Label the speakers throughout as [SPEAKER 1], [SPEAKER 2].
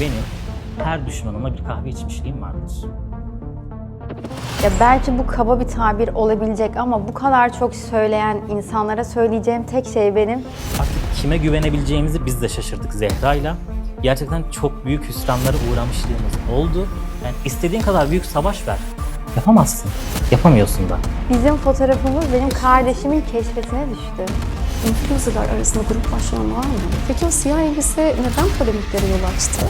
[SPEAKER 1] benim her düşmanıma bir kahve içmişliğim vardır.
[SPEAKER 2] Ya belki bu kaba bir tabir olabilecek ama bu kadar çok söyleyen insanlara söyleyeceğim tek şey benim.
[SPEAKER 1] Artık kime güvenebileceğimizi biz de şaşırdık Zehra'yla. Gerçekten çok büyük hüsranlara uğramışlığımız oldu. Yani istediğin kadar büyük savaş ver. Yapamazsın. Yapamıyorsun da.
[SPEAKER 2] Bizim fotoğrafımız benim kardeşimin keşfetine düştü.
[SPEAKER 3] Influencer'lar arasında grup başlama var mı? Peki o siyah elbise neden polemiklere yol açtı?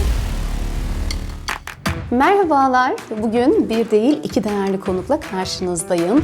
[SPEAKER 3] Merhabalar. Bugün bir değil iki değerli konukla karşınızdayım.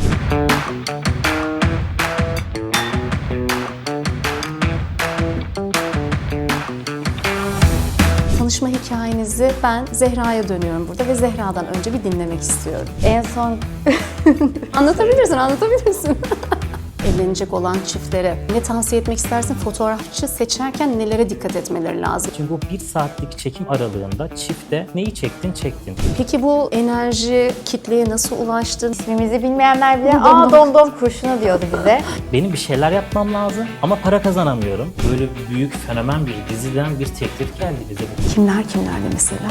[SPEAKER 3] Tanışma hikayenizi ben Zehra'ya dönüyorum burada ve Zehra'dan önce bir dinlemek istiyorum.
[SPEAKER 2] En son
[SPEAKER 3] Anlatabilirsin. Evlenecek olan çiftlere ne tavsiye etmek istersin? Fotoğrafçı seçerken nelere dikkat etmeleri lazım?
[SPEAKER 1] Çünkü bu 1 saatlik çekim aralığında çifte neyi çektin?
[SPEAKER 3] Peki bu enerji kitleye nasıl ulaştı?
[SPEAKER 2] ismimizi bilmeyenler bile
[SPEAKER 3] Domdom.
[SPEAKER 2] domdom kurşunu diyordu bize.
[SPEAKER 1] Benim bir şeyler yapmam lazım ama para kazanamıyorum. Böyle büyük fenomen bir diziden bir teklif geldi bize.
[SPEAKER 3] Kimlerle mesela?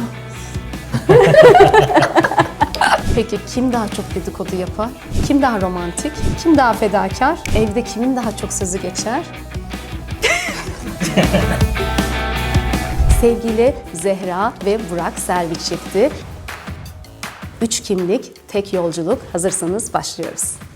[SPEAKER 3] Peki kim daha çok dedikodu yapar? Kim daha romantik? Kim daha fedakar? Evde kimin daha çok sözü geçer? Sevgili Zehra ve Burak Selvi çifti. 3 kimlik, tek yolculuk. Hazırsanız başlıyoruz.